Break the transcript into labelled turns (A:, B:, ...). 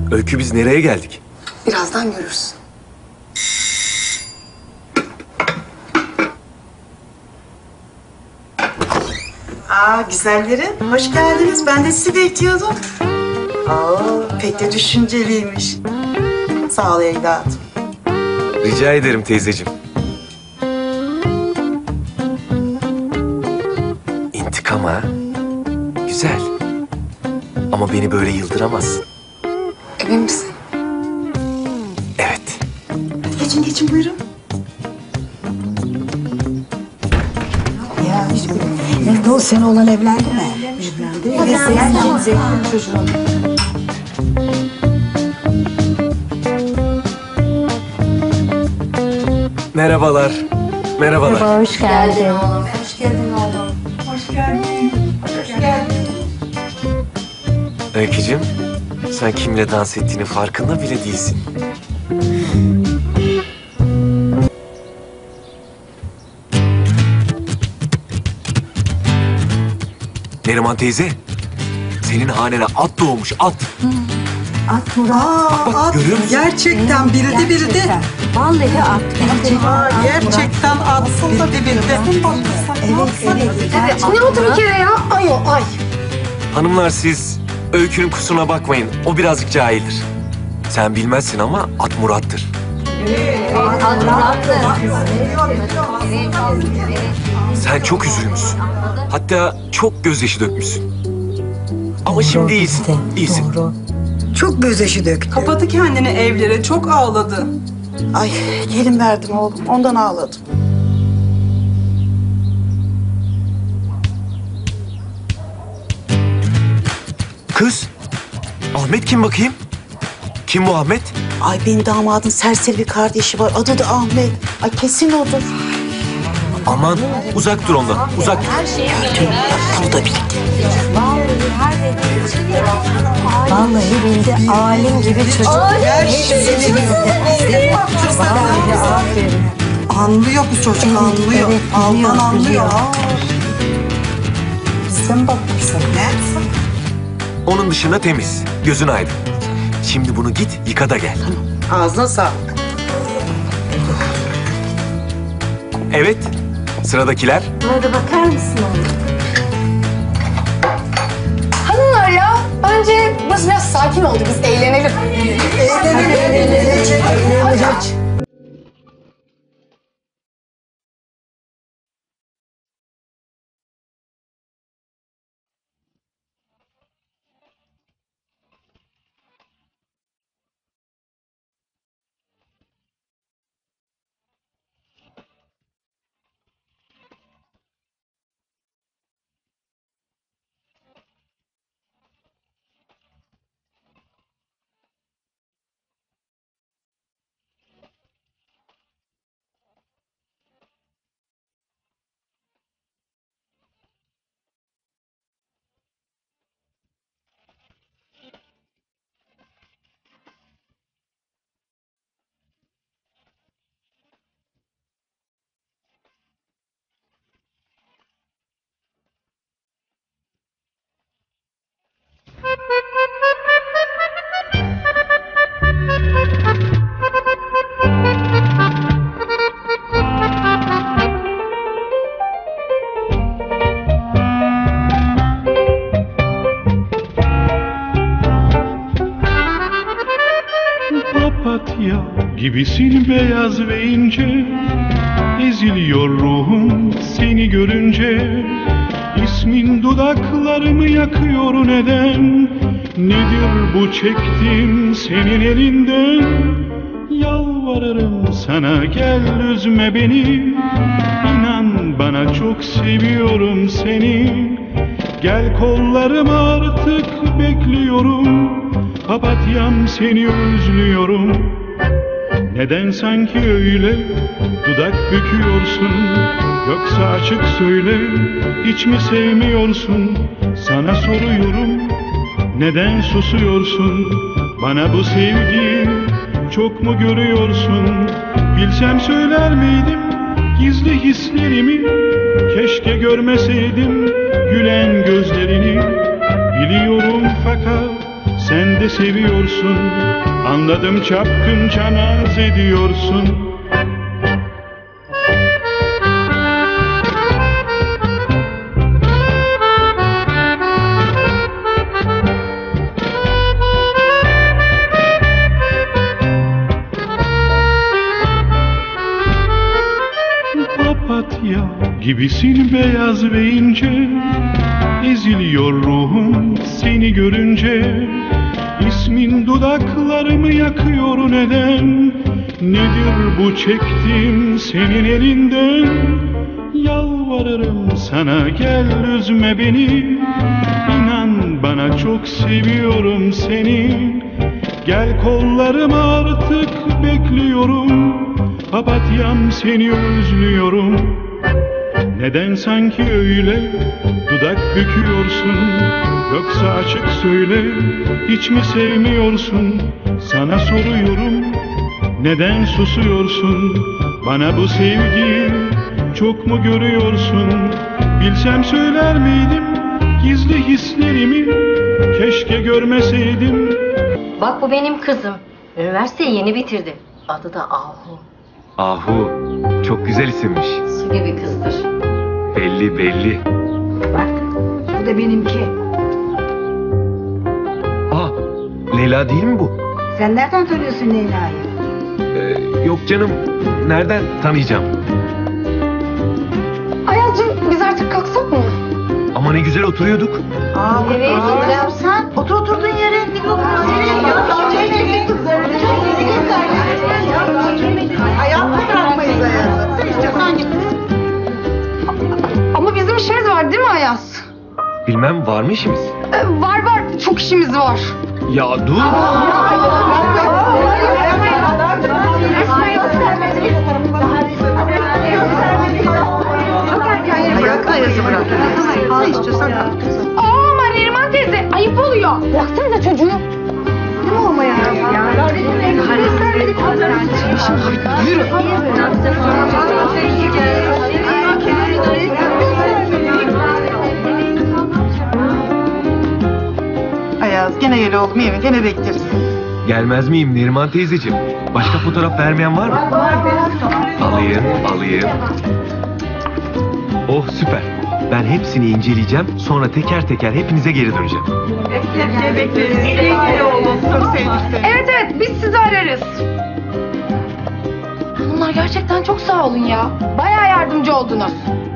A: Öykü, biz nereye geldik?
B: Birazdan görürsün.
C: Güzellerim. Hoş geldiniz. Ben de sizi bekliyordum. Pek de düşünceliymiş. Sağ ol evladım.
A: Rica ederim teyzeciğim. İntikam ha? Güzel. Ama beni böyle yıldıramazsın.
B: Emin misin?
A: Evet.
C: Hadi geçin buyurun.
D: Ya nerede o sene olan evlendi mi? Evlendi. Ve senin zevkli çocuğun.
A: Merhabalar. Merhabalar.
E: Hoş geldin.
A: Öykücüğüm, sen kimle dans ettiğini farkında bile değilsin. Neriman teyze, senin hanene at doğmuş, at.
D: At Murat.
C: At.
A: görüyor musun?
C: Gerçekten bildi.
D: Vallahi at.
C: Gerçekten atsın da bildi.
D: Evet.
B: Ne oldu bir kere ya? Ay.
A: Hanımlar, siz Öykü'nün kusuruna bakmayın. O birazcık cahildir. Sen bilmezsin ama at Murat'tır. Sen çok üzülmüşsün. Hatta çok gözyaşı dökmüşsün. Ama şimdi iyisin. İyisin.
D: Doğru.
C: Çok gözyaşı döktü.
F: Kapadı kendini evlere, çok ağladı.
C: Ay gelin verdim oğlum. Ondan ağladım.
A: Kız, Ahmet kim bakayım? Kim bu Ahmet?
C: Ay benim damadın serseri bir kardeşi var. Adı da Ahmet. Ay kesin odur.
A: Aman uzak dur ondan, uzak.
C: Bunu da bildi.
D: Vallahi bildi. Alim gibi çocuk. Hepsini bildi. Vallahi aferin.
C: Anlıyor bu çocuk, anlıyor.
D: evet,
C: Aldan
D: biliyor,
C: anlıyor.
D: biliyor. Sen bak sen.
C: Ne?
A: Onun dışında temiz, gözün aydın. Şimdi bunu git yıka da gel.
C: Ağzına sağlık.
A: Evet, sıradakiler.
E: Burada bakar mısın oğlum?
B: Hanımlar ya, bence burası biraz sakin oldu. Biz eğlenelim.
G: Papatya gibisin beyaz ve ince, eziliyor ruhum seni görünce. İsmin dudaklarımı yakıyor neden? Nedir bu çektiğim senin elinden? Yalvarırım sana gel üzme beni. İnan bana çok seviyorum seni. Gel kollarıma artık bekliyorum. Papatyam seni özlüyorum. Neden sanki öyle dudak büküyorsun? Yoksa açık söyle, hiç mi sevmiyorsun? Sana soruyorum, neden susuyorsun? Bana bu sevgiyi çok mu görüyorsun? Bilsem söyler miydim gizli hislerimi? Keşke görmeseydim gülen gözlerini. Biliyorum fakat Sen de seviyorsun, anladım, çapkınca naz ediyorsun. Papatya gibisin beyaz ve ince, eziliyor ruhum seni görünce. İsmin dudaklarımı yakıyor neden? Nedir bu çektiğim senin elinden? Yalvarırım sana, gel üzme beni. İnan bana, çok seviyorum seni. Gel kollarıma, artık bekliyorum. Papatyam, seni özlüyorum. Neden sanki öyle dudak büküyorsun? Yoksa açık söyle, hiç mi sevmiyorsun? Sana soruyorum, neden susuyorsun? Bana bu sevgiyi çok mu görüyorsun? Bilsem söyler miydim gizli hislerimi? Keşke görmeseydim.
E: Bak, bu benim kızım. Üniversiteyi yeni bitirdi. Adı da Ahu.
A: Ahu, çok güzel isimmiş.
E: Su gibi kızdır.
A: Belli belli.
D: Bak, bu da benimki.
A: Aa, Leyla değil mi bu?
D: Sen nereden tanıyorsun Leyla'yı?
A: Yok canım, nereden tanıyacağım?
B: Ayaz'cığım biz artık kalksak mı?
A: Ama ne güzel oturuyorduk.
E: Evet, ne yapsan?
C: Otur oturduğun yere. Ayağını bırakmayız Ayaz'ı. Sen istiyorsan git.
B: Ama bizim işimiz var değil mi Ayaz?
A: Bilmem, var mı işimiz?
B: Var var, çok işimiz var.
A: Ya dur.
C: Ayaz'ı bırak. Ne istiyorsan al.
B: Ama Neriman teyze, ayıp oluyor. Bıraksanıza çocuğu.
C: Ayaz, gene gel oğlum, yemin, gene bekleriz.
A: Gelmez miyim Neriman teyzeciğim? Başka fotoğraf vermeyen var mı? Alayım. Oh, süper. Ben hepsini inceleyeceğim, sonra teker teker hepinize geri döneceğim.
C: Bekleriz. Gel oğlum, çok sevdik seni.
B: Evet evet, biz sizi ararız. Bunlar gerçekten çok sağ olun ya. Bayağı yardımcı oldunuz.